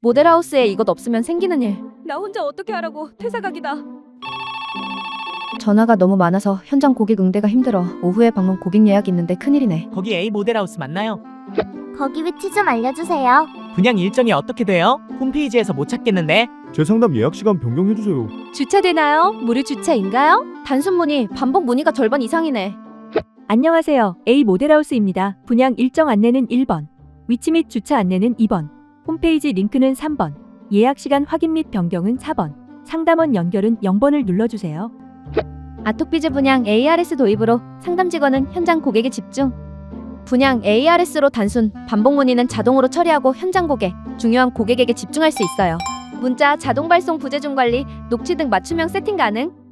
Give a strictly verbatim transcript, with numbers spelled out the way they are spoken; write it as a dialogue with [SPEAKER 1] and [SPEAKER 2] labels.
[SPEAKER 1] 모델하우스에 이것 없으면 생기는 일.
[SPEAKER 2] 나 혼자 어떻게 하라고. 퇴사각이다.
[SPEAKER 1] 전화가 너무 많아서 현장 고객 응대가 힘들어. 오후에 방문 고객 예약 있는데 큰일이네.
[SPEAKER 3] 거기 A 모델하우스 맞나요?
[SPEAKER 4] 거기 위치 좀 알려주세요.
[SPEAKER 3] 분양 일정이 어떻게 돼요? 홈페이지에서 못 찾겠는데.
[SPEAKER 5] 제 상담 예약 시간 변경해주세요.
[SPEAKER 2] 주차되나요? 무료 주차인가요?
[SPEAKER 1] 단순 문의, 반복 문의가 절반 이상이네.
[SPEAKER 2] 안녕하세요. A 모델하우스입니다. 분양 일정 안내는 일 번. 위치 및 주차 안내는 이 번. 홈페이지 링크는 삼 번. 예약 시간 확인 및 변경은 사 번. 상담원 연결은 영 번을 눌러주세요.
[SPEAKER 1] 아토피즈 분양 에이아르에스 도입으로 상담 직원은 현장 고객에 집중. 분양 에이아르에스로 단순, 반복 문의는 자동으로 처리하고 현장 고객, 중요한 고객에게 집중할 수 있어요. 문자 자동 발송 부재중 관리, 녹취 등 맞춤형 세팅 가능.